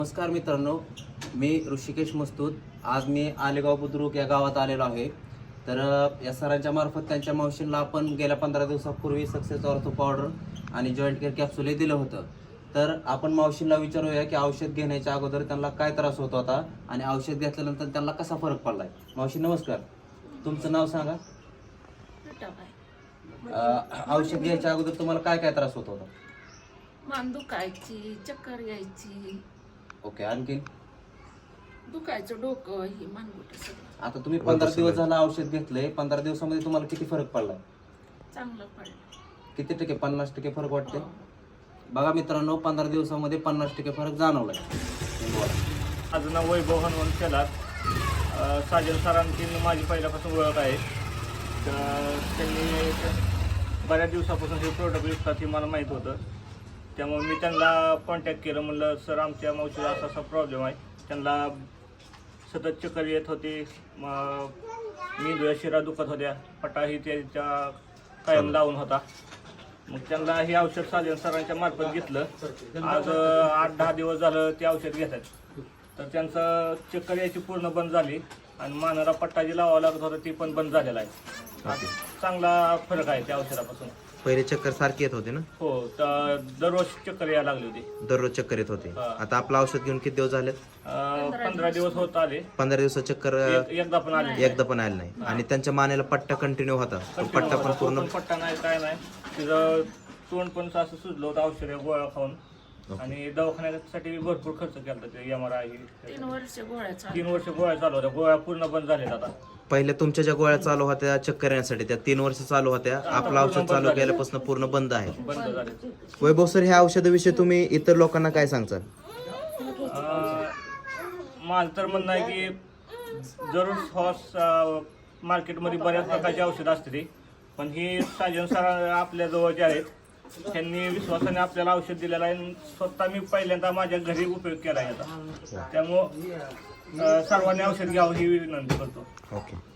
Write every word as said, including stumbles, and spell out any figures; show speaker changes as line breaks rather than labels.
नमस्कार मित्रांनो, मी ऋषिकेश मस्तूत. आज मी आलेगाव बुद्रुक या गावात आलेलो आहे. तर या सरांच्या मार्फत त्यांच्या मावशींना आपण गेल्या पंधरा दिवसापूर्वी सक्सेस ऑर्थो पावडर आणि जॉईंट केअर कॅप्सूल हे दिलं होतं. तर आपण मावशींना विचारूया की औषध घेण्याच्या अगोदर त्यांना काय त्रास होत होता आणि औषध घेतल्यानंतर त्यांना कसा फरक पडलाय. मावशी नमस्कार, तुमचं नाव सांगा. अं, औषध घ्यायच्या अगोदर तुम्हाला काय काय त्रास होत होता?
मान दुखायची, चक्कर यायची,
ओके, आणखी
दुखायचं डोकं, ही मानगुट सगळं.
आता तुम्ही पंधरा दिवस झाला औषध घेतलंय. पंधरा दिवसामध्ये तुम्हाला किती फरक पडलाय?
चांगलं पडलं.
किती टक्के? पन्नास टक्के फरक वाटते.
हो.
बघा मित्रांनो, पंधरा दिवसामध्ये पन्नास टक्के फरक जाणवलाय.
माझं नाव वैभव हनुमंत शेलार. साजन सरांची माझी पहिल्यापासून ओळख आहे. तर त्यांनी बऱ्याच दिवसापासून हे प्रोडक्ट विकतात हे मला माहीत होतं. त्यामुळे मी त्यांना कॉन्टॅक्ट केलं. म्हणलं सर, आमच्या मावशीला असा असा प्रॉब्लेम आहे. त्यांना सतत चक्कर येत होती, मेंदूच्या शिरा दुखत होत्या, पटाही त्याच्या कायम लावून होता. मग त्यांना हे औषध साजन सरांच्या मार्फत घेतलं. आज आठ दहा दिवस झालं ते औषध घेतात. तर त्यांचं चक्कर यायची पूर्ण बंद झाली आणि मानाला पट्टा जी लावावं लागत होता ती पण बंद झालेला आहे. चांगला फरक आहे त्या औषधापासून.
पहिले चक्कर सारखी येत होते ना?
हो, तर दररोज चक्कर यायला लागली होती.
दररोज चक्कर येत होते.
हा.
आता आपलं औषध घेऊन किती दिवस झालेत?
पंधरा दिवस होत आले.
पंधरा दिवसात चक्कर
एक- एकदा पण आले
एकदा पण आलं नाही. आणि त्यांच्या मानेला पट्टा कंटिन्यू होता. तो पट्टा पण पूर्ण
पट्टा नाही, काय नाही. तिचं तोंड पण असं सुजलं होतं औषध गोळ्या खाऊन. आणि दवाखान्यासाठी भरपूर खर्च केला. ते एम आर आय
तीन वर्ष गोळ्या चालू.
तीन वर्ष गोळ्या चालू होत्या. गोळ्या पूर्ण बंद झाल्या आता.
पहिले तुमच्या ज्या गोळ्या चालू होत्या चक्कर येण्यासाठी त्या तीन वर्ष चालू होत्या. आपलं औषध चालू केल्यापासून पूर्ण बंद आहे.
बंद झाले.
वैभव सर, ह्या औषधाविषयी तुम्ही इतर लोकांना काय सांगताल?
माझं तर म्हणणं आहे की जरूर हॉस मार्केटमध्ये बऱ्याच प्रकारची औषधं असते ती, पण ही साजन सर आपल्या जवळचे आहेत. त्यांनी विश्वासाने आपल्याला औषध दिलेलं आहे. आणि स्वतः मी पहिल्यांदा माझ्या घरी उपयोग केला आहे याचा. त्यामुळं अं, सर्वांनी औषध घ्यावं ही विनंती करतो.
ओके.